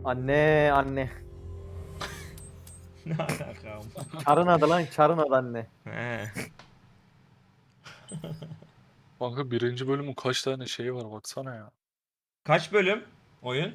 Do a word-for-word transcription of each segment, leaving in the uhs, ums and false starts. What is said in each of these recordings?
Anne anne. Ne alaka? Çarın adı lan, çarın adı anne. He. Kanka birinci bölümün kaç tane şeyi var baksana ya. Kaç bölüm oyun?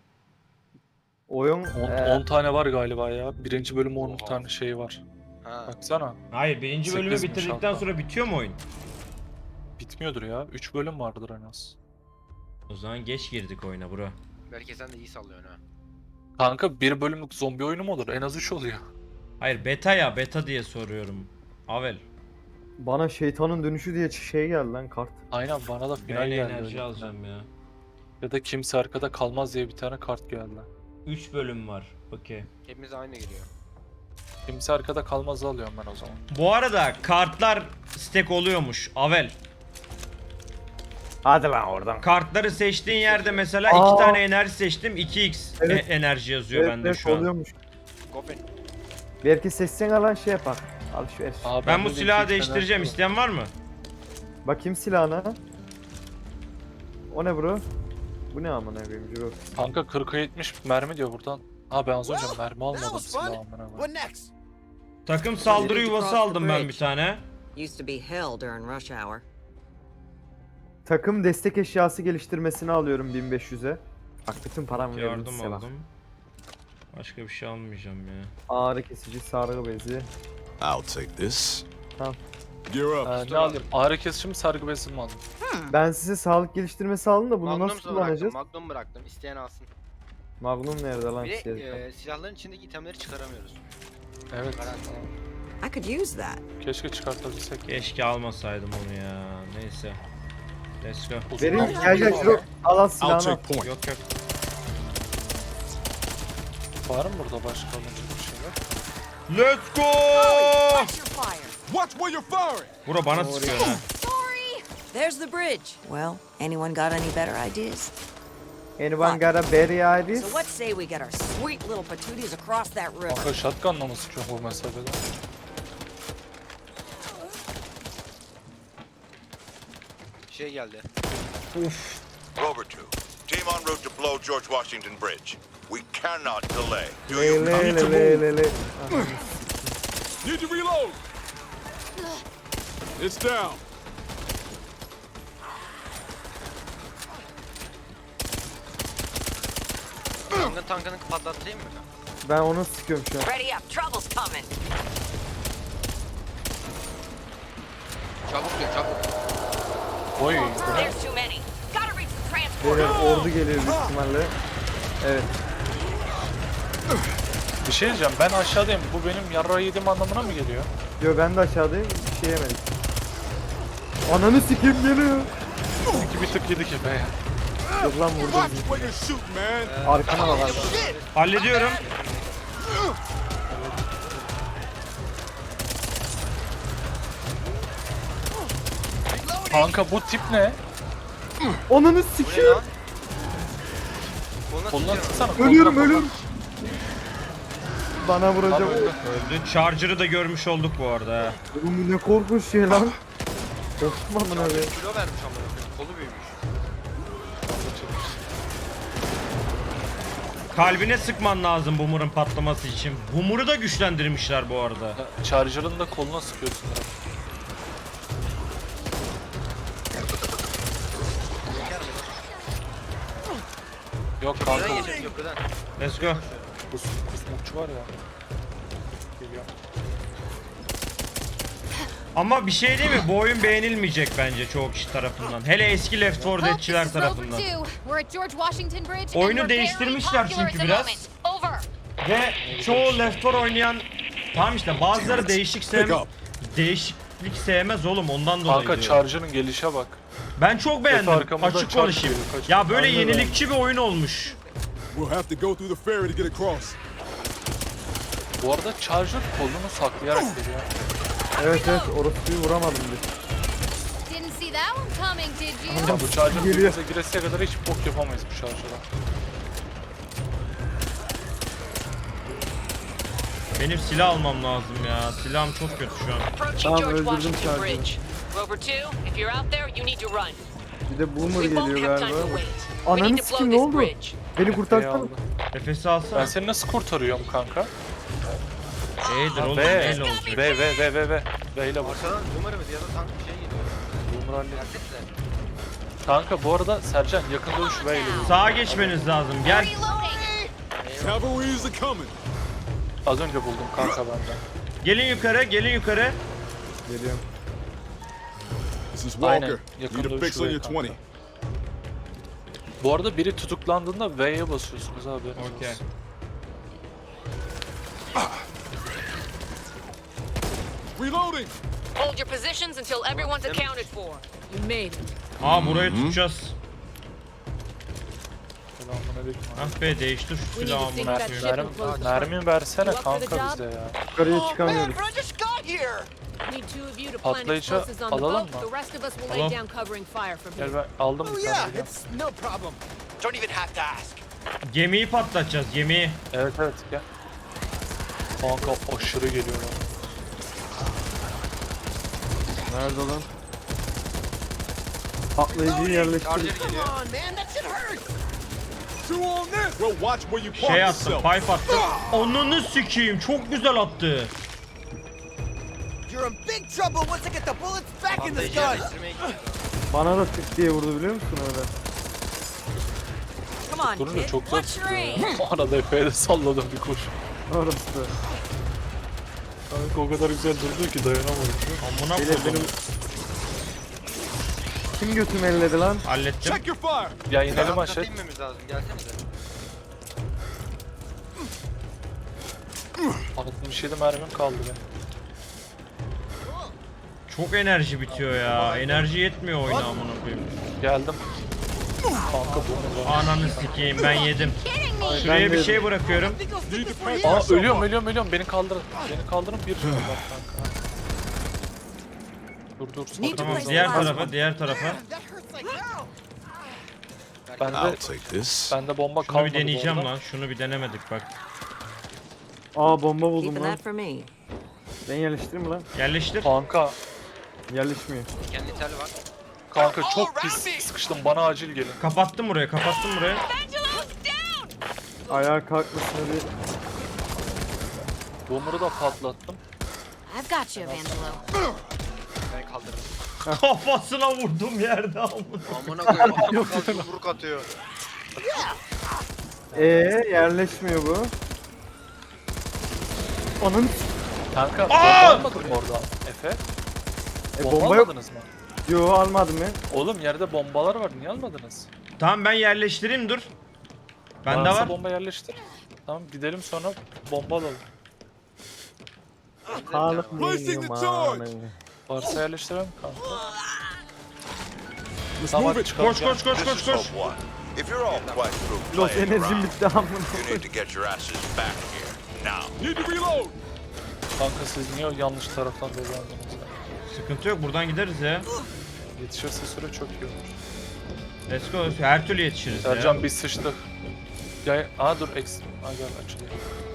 Oyun on e, tane var galiba ya. Birinci bölüm on Oha. tane şey var. Ha. Baksana. Hayır, birinci bölümü Sekizmiş bitirdikten hatta. sonra bitiyor mu oyun? Bitmiyordur ya. üç bölüm vardır en az. O zaman geç girdik oyuna bro. Belki sen de iyi sallıyorsun ha. Kanka bir bölümlük zombi oyunu mu olur? En az üç oluyor. Hayır, beta ya, beta diye soruyorum. Avel. bana şeytanın dönüşü diye şey geldi lan kart. Aynen bana da final Ben geldi. enerji öyle. alacağım ya. Ya da kimse arkada kalmaz diye bir tane kart geldi. üç bölüm var. Okey. Hepimiz aynı geliyor. Kimse arkada kalmaz alıyorum ben o zaman. Bu arada kartlar stack oluyormuş. Avel. Hadi lan oradan. Kartları seçtiğin yerde mesela Aa. iki tane enerji seçtim. iki x Evet. e- enerji yazıyor Evet, bende evet, şu an. oluyormuş. Gofen. Belki seçsen alan şey yapar. Alışveriş. Aa, Ben bu de silahı iki değiştireceğim. tane- İsteyen var mı? Bakayım silahına. O ne bro? Bu ne amına koyayım bro? Kanka kırka yetmiş mermi diyor buradan. Ha ben az önce mermi almadım was silahı fun. amına koyayım. What next? Takım saldırı Need to yuvası cross the aldım ben bridge. bir tane. Used to be hell during rush hour. Takım destek eşyası geliştirmesini alıyorum bin beş yüze. Bak bütün param verdim Yardım size bak. aldım. Başka bir şey almayacağım ya. Ağrı kesici, sargı bezi. I'll take this. Tamam. Gear up. Ee, ne alayım? Ağrı kesici mi sargı bezi mi alayım? Ben size sağlık geliştirmesi aldım da bunu Magnum nasıl bıraktım. kullanacağız? Magnum bıraktım. İsteyen alsın. Magnum nerede lan? Bir Şey, de e, silahların içindeki itemleri çıkaramıyoruz. Evet. Garanti. I could use that. Keşke çıkartabilsek. Keşke almasaydım onu ya. Neyse. Let's go. Uzun Vereyim namlu gel gel var. Jiro. Al al I'll silahını al. take point. Yok yok. Var mı burada başka alınacak bir şeyler? Let's go! Watch your fire. Watch where you're firing. Bura bana sıkıyor ha. Sorry. There's the bridge. Well, anyone got any better ideas? Anyone got a berry ideas? So let's say we get our sweet little patooties across that river. Kanka shotgunla mı sıkıyor bu mesafede? Şey geldi. Uf. Rover two, team en route to blow George Washington Bridge. We cannot delay. Do Le you le le le le le. Aha. Need to reload. It's down. Tankın tankını patlatayım mı? Ben onu sıkıyorum şu an. Ready up. Trouble's coming. Çabuk gel çabuk. Oy. There's too many. Gotta reach the transport. Beyler ordu geliyor büyük ihtimalle. Evet. Bir şey diyeceğim ben aşağıdayım. Bu benim yarra yediğim anlamına mı geliyor? Diyor ben de aşağıdayım. Bir şey yemedik. Ananı sikeyim geliyor. İki bir tık yedik be ya. Yok lan vurdum. Watch where you're shooting, man. Arkana bak arkana. Hallediyorum. Kanka bu tip ne? Ananı Bu ne sikeyim. lan? Koluna Kolundan tutuyorum. sıksana. Ölüyorum koluna, ölüyorum. Bana koluna. vuracak. Abi öldü. Öldü. Charger'ı da görmüş olduk bu arada ha. Oğlum bu ne korkunç şey lan. Korktum amına be. Kilo vermiş amına koyayım. Kolu büyümüş. Kalbine sıkman lazım Boomer'ın patlaması için. Boomer'ı da güçlendirmişler bu arada. Charger'ın da koluna sıkıyorsun. ya. Yok kanka Köprüden bu geçelim köprüden. Let's go. kus, kusmukçu var ya. Geliyor. Ama bir şey değil mi? Bu oyun beğenilmeyecek bence çoğu kişi tarafından. Hele eski Left four Folks, Dead'çiler this is Rover tarafından. two. We're at George Washington Bridge and Oyunu we're very değiştirmişler popular çünkü at the biraz. moment. Over. Ve çoğu Left four oynayan... Tamam işte bazıları değişik sevmez. Pick up. Değişiklik sevmez oğlum ondan dolayı Kanka diyorum. Charger'ın gelişe bak. Ben çok beğendim. arkamızdan Açık çarp konuşayım. geliyor, kaç- Ya böyle Anladım. yenilikçi bir oyun olmuş. We'll have to go through the ferry to get across. Bu arada Charger kolunu saklayarak geliyor. Evet evet orospuyu vuramadım bir. Didn't see that one coming, did you? Ya bu Charger Geliyor. birbirimize giresiye kadar hiç bok yapamayız bu Charger'a. Benim silah almam lazım ya. Silahım çok kötü şu an. Approaching Tamam, George öldürdüm Washington Charger'ı. Bridge. Rover two, if you're out there, you need to run. Bir de boomer We won't geliyor have time galiba. to wait. We need Ananı to sikim blow ne this oldu? bridge. Beni Efe'yi kurtarsana. aldı. Nefesi Ben alsana. seni nasıl kurtarıyorum kanka? E'dir oğlum, V, neyle olacak? V, V, V, V, V. V ile bak. Arkadan numara mı ya da tank bir şey geliyor. Boomer hallet. Gerçekten. Kanka bu arada Sercan yakın dövüş V ile. Sağa geçmeniz lazım. Gel. Reloading. Cavalry's are coming. Az önce buldum kanka benden. Gelin yukarı, gelin yukarı. Geliyorum. This is Aynen, Walker. yakın Need a dövüş fix on V your kanka. twenty. Bu arada biri tutuklandığında V'ye basıyorsunuz abi. Okey. Reloading. Hold your positions until everyone's accounted for. You made it. Aa burayı tutacağız. Selamünaleyküm. Ah be, değiştir şu We need silahı to think amına that koyayım. ship Mermi, and close the front. mermi versene You up for the kanka job? bize ya. Yukarıya çıkamıyoruz. Need two of you to plant Patlayıcı explosives on the alalım boat. mı? The rest of us will lay Alalım. down covering fire from here. Gel ben aldım bir tane. gel. no problem. Don't even have to ask. Gemiyi patlatacağız, gemiyi. Evet evet gel. Kanka aşırı geliyor lan. Nerede lan? Patlayıcıyı Charger yerleştirdik. geliyor. Two on this. Well, watch where you park Şey attım, yourself. pipe attım. Onunu sikeyim, çok güzel attı. You're in big trouble once I get the bullets back in the Patlayıcı gun. yerleştirmeye gidiyor. Bana da tık diye vurdu biliyor musun öyle? Come on, Durunca kid. çok zor What's your tutuyor. aim? ya. Arada Efe'ye de salladım bir koş. Orası. Kanka o kadar güzel durdu ki dayanamadım. Amına Beyler koydum. benim... Kim götümü elledi lan? Hallettim. Check your fire. Ya inelim Altta aşağı. inmemiz lazım. Gelsenize. altmış yedi mermim kaldı benim. Çok enerji bitiyor ya. Enerji yetmiyor oyuna amına koyayım. Geldim. Kanka bu ne? Ananı sikeyim, ben yedim. Kidding me? Şuraya Ben bir de- şey bırakıyorum. Need to patch Aa yourself ölüyorum up. ölüyorum ölüyorum. Beni kaldırın. Beni kaldırın bir sürü bak kanka. Dur dur. Need to Tamam, place diğer the last tarafa, one. diğer tarafa. Bende, take this. bende bomba Şunu kalmadı bir deneyeceğim bu arada. lan. Şunu bir denemedik bak. Aa bomba buldum Keeping lan. that for me. Ben yerleştireyim mi lan? Yerleştir. Kanka, Yerleşmiyor. Kendi tel var. kanka çok pis sıkıştım. Bana acil gelin. Kapattım burayı, kapattım burayı. Ayağa kalkmasına bir... Boomer'ı da patlattım. I've got you, Angelo. Ben kaldırdım. Kafasına vurdum yerde amına. Amına koyayım. Kalk yumruk atıyor. Ee yerleşmiyor bu. Onun Kanka Aa! bomba almadın mı orada Efe? e, Bomba, bomba yok. almadınız mı? Yo almadım ya. Oğlum yerde bombalar var. Niye almadınız? Tamam, ben yerleştireyim, dur. Bende Varsa var. bomba yerleştir. Tamam gidelim sonra bomba alalım. Sağlık Placing the mıyım? Varsa yerleştirelim kanka. Let's Tamam move it. çıkalım. Koş koş koş This koş is koş. Hope One. If you're all quite through Los playing enerjim around, bitti amına. you need to get your asses back here now. Need to reload. Kanka siz niye o yanlış taraftan dolandınız ya? Sıkıntı yok, buradan gideriz ya. Yetişirse süre çok iyi olur. Let's go. Her türlü yetişiriz ya. Sercan biz sıçtık. Gel, aa dur eks. Aa gel açılıyor.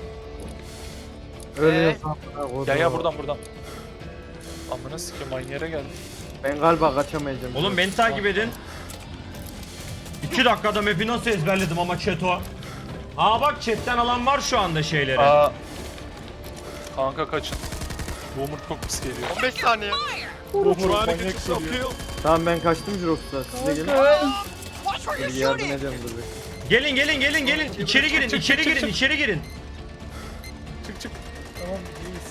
Ölüyorsun. Gel ya buradan buradan. Amına sikeyim aynı yere geldim. Ben galiba kaçamayacağım. Oğlum beni takip edin. iki dakikada map'i nasıl ezberledim ama chat'o. Aa bak, chat'ten alan var şu anda şeyleri. Aa. Kanka kaçın. Boomer çok pis geliyor. on beş saniye. Boomer Trying to get manyak yourself geliyor. killed. Tamam ben kaçtım Jirox'ta. Siz de gelin. Bir yardım edeceğim dur bir. Gelin gelin gelin gelin. İçeri girin, çık, içeri çık, girin, çık. içeri girin. Çık çık. Tamam iyiyiz.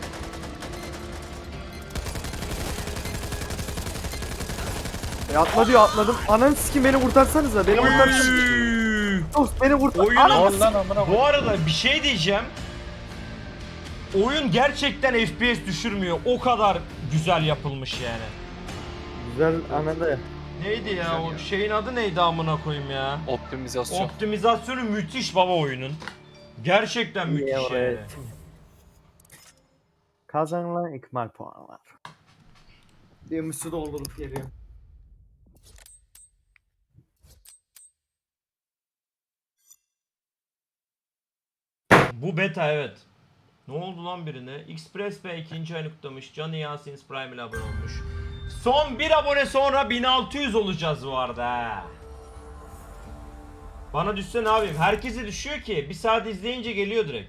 E atla diyor atladım. Ananı sikim beni kurtarsanıza. Beni kurtarsanıza. Üy. Dost beni kurtar. Oyunun- Ananı Al lan amına koyayım. Bu arada bir şey diyeceğim. Oyun gerçekten F P S düşürmüyor. O kadar güzel yapılmış yani. Güzel anladı. Neydi ya o şeyin adı neydi amına koyayım ya? Optimizasyon. Optimizasyonu müthiş baba oyunun. Gerçekten müthiş yani. Evet. Kazanılan ikmal puanlar. Bir müsü doldurup geliyor. Bu beta evet. Ne oldu lan birine? Express Bey ikinci ayını kutlamış. Johnny Yasin Prime ile abone olmuş. Son bir abone sonra bin altı yüz olacağız bu arada ha. Bana düşse ne yapayım? Herkese düşüyor ki. Bir saat izleyince geliyor direkt.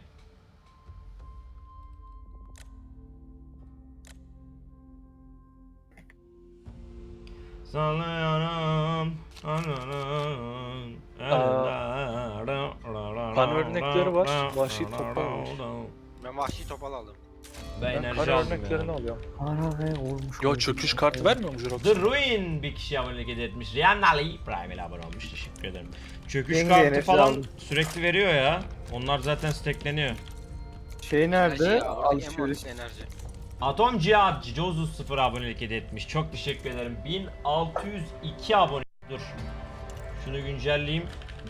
Sallıyorum. Kan örnekleri var. Vahşi topal var. Ben vahşi topal aldım. Ben Ben enerji kan aldım örneklerini ya. alıyorum. Ana ne olmuş. Yo çöküş kartı vermiyor mu Jurox? The Ruin bir kişi abonelik hediye etmiş. Rihanna Ali Prime ile abone olmuş. Teşekkür ederim. Çöküş Yenge kartı enerji falan aldım. sürekli veriyor ya. Onlar zaten stackleniyor. Şey nerede? Enerji ya, oradaki en Alışveriş. mantıklı enerji. Atom Cihat Jozus sıfır abonelik hediye etmiş. Çok teşekkür ederim. bin altı yüz iki abone. Dur. Şunu güncelleyeyim.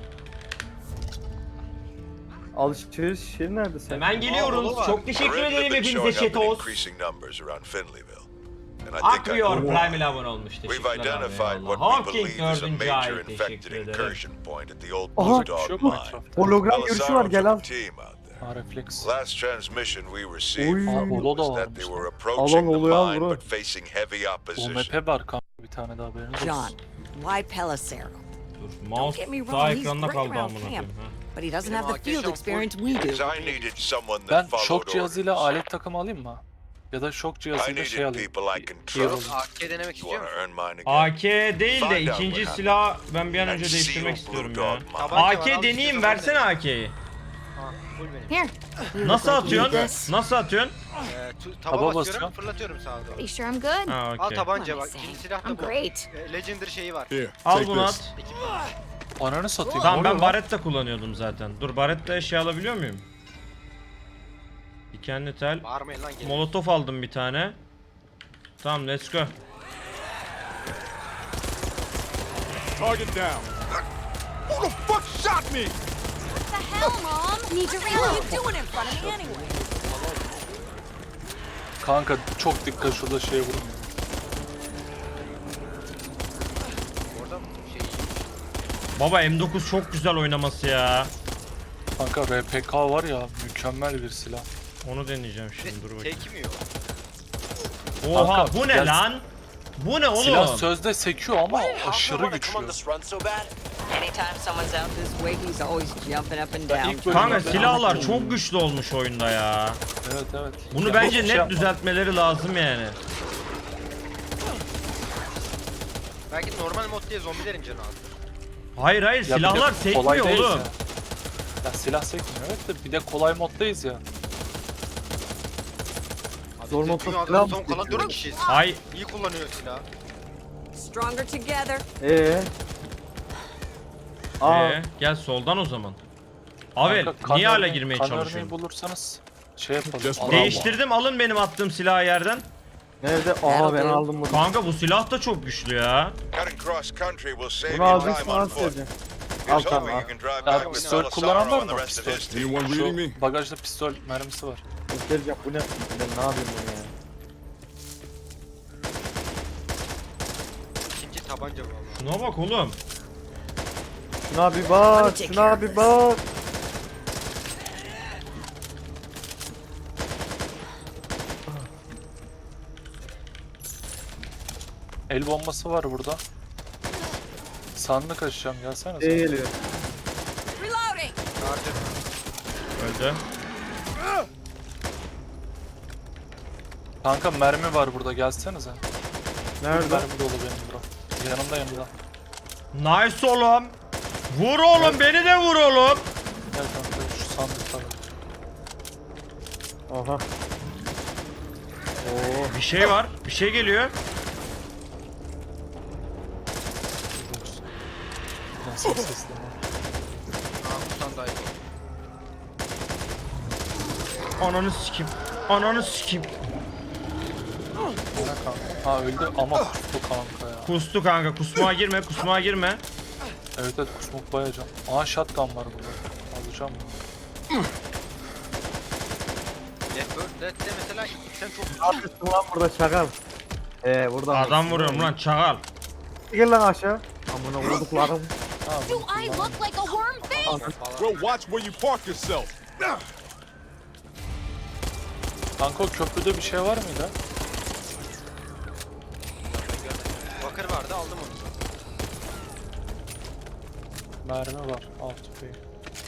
Alışveriş şey nerede sen? Hemen geliyoruz. var. Çok teşekkür Perimeter ederim been hepinize showing up in Chetos. increasing numbers around Finleyville. And I think I Akrior know Prime ile abone olmuş. We've Teşekkürler abi. identified eyvallah. what we Hawking believe is a dördüncü major ay. infected Teşekkür ederim. incursion point at the old Aha. Blue Bir şey Dog yok mu mine. etrafta? Hologram görüşü var, Belisaro gel took al. a team out there. Ha refleks. Last transmission we received Oy. from Aa, them Olo da was that varmış they lan. were approaching the oluyor mine bro. but facing heavy O opposition. M P var kanka bir tane daha haberiniz John, olsun. why Pelissero? Dur. Don't Mouse get me sağ wrong, he's ekranda great kaldı around amına camp, koyayım. ha. but he doesn't Benim have the field arkadaşım experience we Because do. I needed someone Ben that şok followed cihazıyla orders. alet takımı alayım mı? Ya da şok I cihazıyla şey needed alayım. people I can Hero. trust. A K denemek You istiyor wanna musun? earn mine again? A K değil de Find out ikinci what silah ben bir an And önce seal değiştirmek Blue istiyorum Dog ya. mine. Tabanca var, A K al deneyeyim istiyorsan versene ben A K'yi. Ha, full benim. Here. You Nasıl look like you need atıyorsun? this. Nasıl atıyorsun? Ee, tu- Taba taba basıyorum, basıyorum. fırlatıyorum sağa doğru. Pretty sure I'm good. Ha Al okey. tabanca What bak, am I ikinci saying? silah da I'm bu. great. Ee, Legendary şeyi var. Here, Al take bunu this. at. Ananı satayım. Tamam ne ben oluyor lan? Barretta kullanıyordum zaten. Dur Barretta eşya alabiliyor muyum? Dikenli tel. Bağırmayın lan gelin. Molotof aldım bir tane. Tamam let's go. Target down. Who the fuck shot me? What the hell, Mom? Need to What are reload. you doing in front of me anyway? Kanka çok dikkat şurada şeye vurun. Orada şey Baba M dokuz çok güzel oynaması ya. Kanka R P K var ya mükemmel bir silah. Onu deneyeceğim şimdi dur bakayım. tek mi yok? Oha Kanka, bu ne gel- lan? Bu ne oğlum? Silah sözde sekiyor ama aşırı güçlü. Anytime someone's out this way, he's always jumping up and Ben down. ilk bölümde- Kanka silahlar çok güçlü olmuş oyunda ya. Evet evet. Bunu Ya bence hiçbir şey net yapma. düzeltmeleri lazım yani. Belki normal mod diye zombilerin canı azdır. Hayır hayır Ya bir de silahlar kolay sekmiyor değiliz oğlum. Ya. ya silah sekmiyor evet de bir de kolay moddayız ya. Abi Zor biz mod dünyada silah mı son kalan seçiyor? dört kişiyiz. Hay İyi kullanıyor silahı. Stronger together. Ee. Aa, ee, gel soldan o zaman. Avel Kanka, kan niye hala örneği- girmeye kan çalışıyorsun? örneği bulursanız şey yapalım. Just alalım. Değiştirdim alın benim attığım silahı yerden. nerede? Aha ben aldım bunu. Kanka bu silah da çok güçlü ya. Cutting cross country will save Bunu you aldın time sana on foot. söyleyeceğim. Al Here's tamam hoping al. you can drive Ya back with pistol kullanan Belisaro var and mı? the rest of Pistol. his team. Anyone reading me? Şu bagajda pistol mermisi var. Göstereceğim bu ne? Ben ne yapayım bunu ya? İkinci tabanca bu valla. Şuna bak oğlum. Şuna bir bak, şuna bir bak. El bombası var burada. Sandık açacağım gelsene Şey sen. geliyor. Reloading. Artık Öldü. Kanka mermi var burada gelsenize. Nerede? Mermi dolu benim bro. Yanımda yanımda. Nice oğlum. Vur oğlum beni de vur oğlum. Gel kanka şu sandıkta var. Aha. Oo. Bir şey var. Bir şey geliyor. Nasıl sesli lan? Mahmut'tan daha iyi. Ananı sikim. Ananı sikim. Ne kanka? Ha öldü ama kustu kanka ya. Kustu kanka. Kusmağa girme. Kusmağa girme. Evet evet kusmuk bayacağım. Aa shotgun var burada. Alacağım bunu. Left Bird Dead'de mesela sen çok Ne yapıyorsun lan burada çakal? Ee buradan. Adam vuruyorum lan çakal. Gel lan aşağı. Amına vurduklarım. Ha, Do bunu I kullanalım. look like a worm face? Well, watch where you park yourself. Kanka o köprüde bir şey var mıydı? Kanker vardı aldım onu. Mermi var. Altı bey.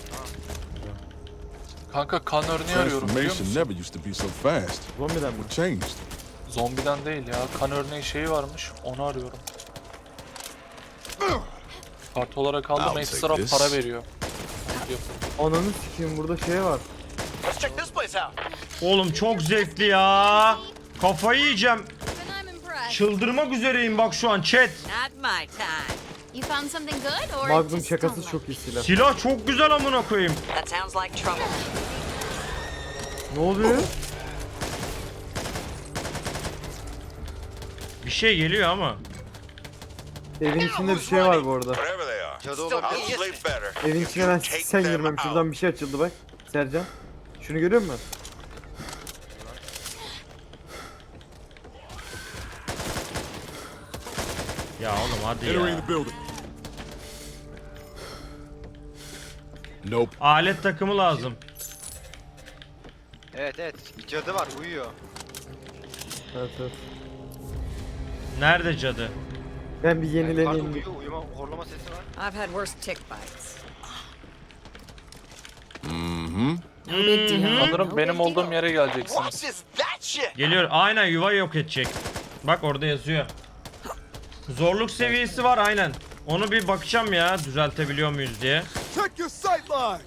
Kanka kan örneği arıyorum biliyor Transformation musun? never used to be so fast. Zombiden mi? What changed? Zombiden değil ya. Kan örneği şeyi varmış. Onu arıyorum. Kart olarak aldım. I'll Ekstra take this. para veriyor. Hadi yapalım. Ananı sikeyim, burada şey var. Oğlum çok zevkli ya. Kafayı yiyeceğim. Then I'm impressed. Çıldırmak üzereyim bak şu an chat. Not my time. You found something good or Magnum just şakası don't like çok iyi silah. Silah çok güzel amına koyayım. That sounds like trouble. Ne oluyor? Bir şey geliyor ama. Evin içinde bir şey var bu arada. Whatever they are. Cadı I'll olabilir. sleep better. Evin if içine you ben take sen them girmem. out. Şuradan bir şey açıldı bak. Sercan. Şunu görüyor musun? Ya oğlum hadi Entering ya. the building. Nope. Alet takımı lazım. Evet evet. Cadı var uyuyor. Evet evet. Nerede cadı? Ben bir Yukarıda yenileneyim. uyuyor. Uyuma horlama sesi var. I've had worse tick bites. Mm-hmm. No big deal. Sanırım No benim big olduğum deal. yere geleceksiniz. Geliyor. Aynen yuva yok edecek. Bak orada yazıyor. Zorluk seviyesi var aynen. Onu bir bakacağım ya düzeltebiliyor muyuz diye. Check your sight lines.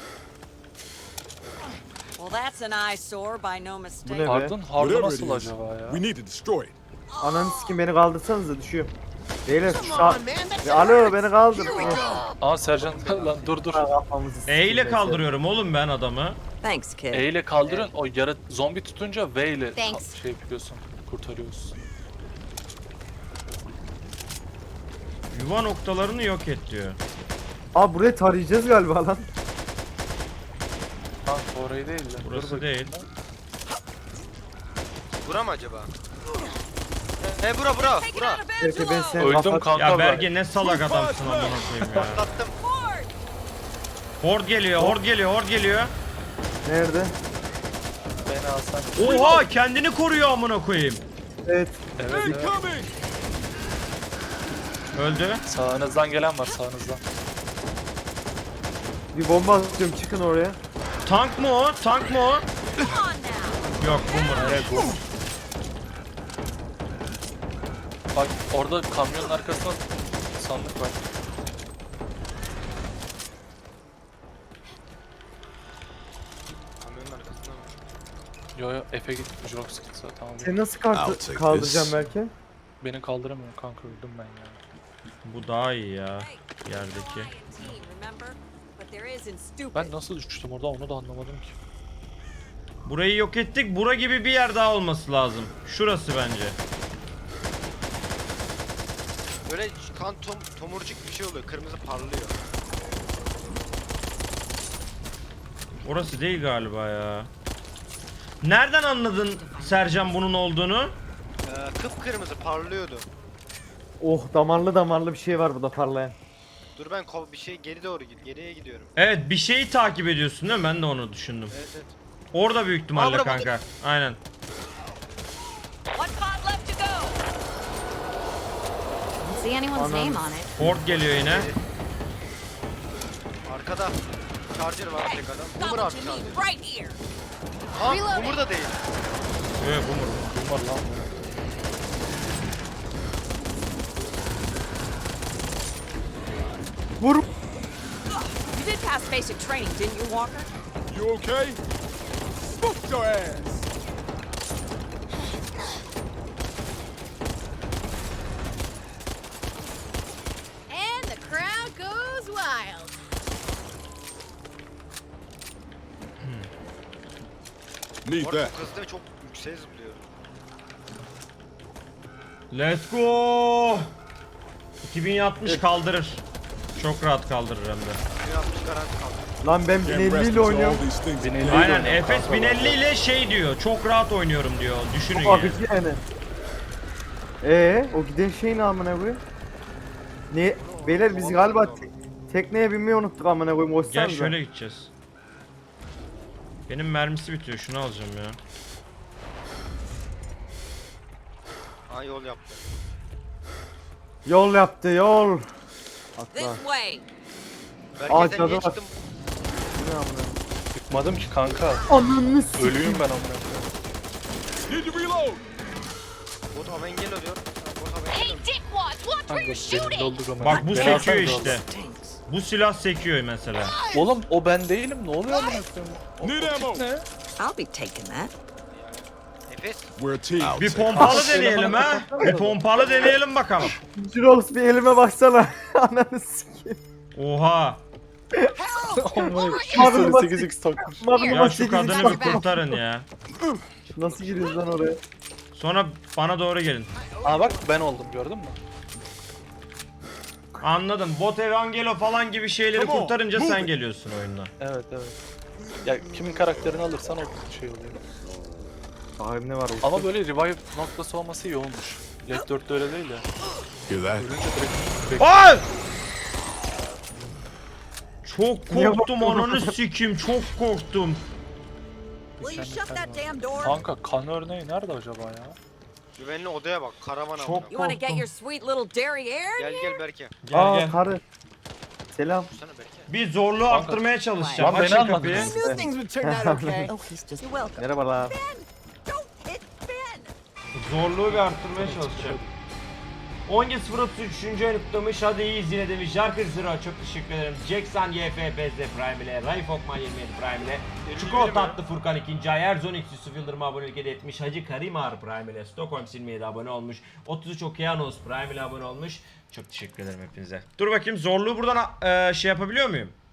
Well, that's an eyesore by no Bu mistake. ne be? Pardon, harbi Whatever nasıl it is, acaba ya? we need to destroy it. Ananı sikeyim, beni kaldırsanıza, düşüyorum. Beyler şu Come sağ... on, man. That's Ya, alo beni kaldır. Here we go. Aa Sercan lan dur dur. Ha, kafamızı E sikeyim ile ben kaldırıyorum oğlum ben adamı. Thanks, kid. E ile kaldırın. O yara zombi tutunca V ile Thanks. şey yapıyorsun. Kurtarıyorsun. Yuva noktalarını yok et diyor. seni. Aa, burayı tarayacağız galiba lan. Kanka orayı değil de. Burası Dur bakayım. değil. Bura mı acaba? He bura bura bura. Belki ben seni Öldüm kapat... kanka Ya ben. Berge ne salak adamsın amına koyayım ya. Patlattım. Hord geliyor, hord geliyor, hord geliyor. Nerede? Beni alsan. Oha kendini koruyor amına koyayım. Evet. Evet, evet. Incoming! Öldü. Sağınızdan gelen var sağınızdan. Bir bomba atıyorum, çıkın oraya. Tank mı o? Tank mı o? Yok boomer. Evet bu. Bak orada kamyonun arkasında sandık var. Kamyonun arkasında mı? Yo yo Efe gitti. Jox gitti tamam. Sen nasıl I'll kart take kaldıracağım this. belki? Beni kaldıramıyor kanka öldüm ben ya. Bu daha iyi ya. Yerdeki. Team, remember? But there isn't stupid. Ben nasıl düştüm orada onu da anlamadım ki. Burayı yok ettik. Bura gibi bir yer daha olması lazım. Şurası bence. Böyle kan tom, tomurcuk bir şey oluyor. Kırmızı parlıyor. Orası değil galiba ya. Nereden anladın Sercan bunun olduğunu? Ee, kıpkırmızı parlıyordu. Oh, damarlı damarlı bir şey var burada parlayan. Dur ben kov bir şey geri doğru git. Geriye gidiyorum. Evet bir şeyi takip ediyorsun değil mi? Ben de onu düşündüm. Evet evet. Orada büyük ihtimalle Aa, bura, kanka. Aynen. One pod left to go. Don't see anyone's Anam. name on it. Hord geliyor yine. Arkada. Charger var tek adam. Got Boomer what abi you charger. need right here. Aa Reloading. Boomer da değil. Evet boomer. Kim var lan bu? Vur! You did pass basic training, didn't you, Walker? You okay? Smoke your ass! And the crowd goes wild. Need Bu arada that. çok hızlı ve çok yükseğe zıplıyor. Let's go. iki bin altmış kaldırır. Çok rahat kaldırır hem de. Bir altmış garanti kaldı. Lan ben Can't bin elli rest ile until all oynuyorum. these things are Bin elli. Aynen Efes bin elli ile şey diyor. Çok rahat oynuyorum diyor. Düşünün Çok ya. akıcı yani. Ee, o giden şey ne amına koyayım? Ne? Beyler biz galiba te- tekneye binmeyi unuttuk amına koyayım. Gel Hoşsanıza. şöyle gideceğiz. Benim mermisi bitiyor. Şunu alacağım ya. Aa yol yaptı. Yol yaptı yol. This Atla. way. Aa, Berke sen cadı niye var. çıktın? Bu ne amına? Çıkmadım ki kanka. Ananı s***. Ölüyüm ben amına. Need to reload. Bot Aven geliyor diyor. Bot Aven Hey, geliyor. dickwads, watch where you're shooting! Bak bu Beni sekiyor alsanıza işte. Bu silah sekiyor mesela. Oğlum o ben değilim. Ne oluyor amına koyayım? O- Need o ammo. tip ne? I'll be taking that. Efes. We're a team. Bir pompalı deneyelim ha. Bir pompalı deneyelim bakalım. Jirox bir elime baksana. Ananı sikeyim. Oha. Amına sekiz x takmış. Ya şu kadını bir kurtarın ya. Nasıl giriyoruz lan oraya? Sonra bana doğru gelin. Aa bak ben oldum gördün mü? Anladım. Bot Evangelo falan gibi şeyleri Come on, kurtarınca move sen it. geliyorsun oyuna. Evet evet. Ya kimin karakterini alırsan o şey oluyor. Sahip ne var? Ama böyle revive noktası olması iyi olmuş. Left dörtte öyle değil ya. Hear that? Ölünce direkt, direkt Ay! Çok Niye korktum baktın ananı sikim, çok korktum. Will you shut that damn door? Kanka kan örneği nerede acaba ya? Güvenli odaya bak. Karavan Çok amına. You want to get korktum. your sweet little derriere? Gel gel Berke. Gel Aa gel. karı. Selam. Sana Berke. Bir zorluğu arttırmaya çalışacağım. Lan beni Açın almadın. kapıyı. I knew things would turn out okay. Oh, he's just. You're welcome. Merhabalar. Don't hit Ben. Zorluğu bir arttırmaya çalışacağım. on yedi sıfır otuz üç. ayını kutlamış. Hadi iyiyiz yine demiş. Jarkır Zero çok teşekkür ederim. Jackson Y F P Z Prime ile. Raif Okman yirmi yedi Prime ile. Çiko Tatlı Furkan ikinci ay. Erzon X Yusuf Yıldırım abonelik hediye etmiş. Hacı Karimar Prime ile. Stockholm yirmi yedi abone olmuş. otuz üç Okeanos Prime ile abone olmuş. Çok teşekkür ederim hepinize. Dur bakayım zorluğu buradan e, şey yapabiliyor muyum?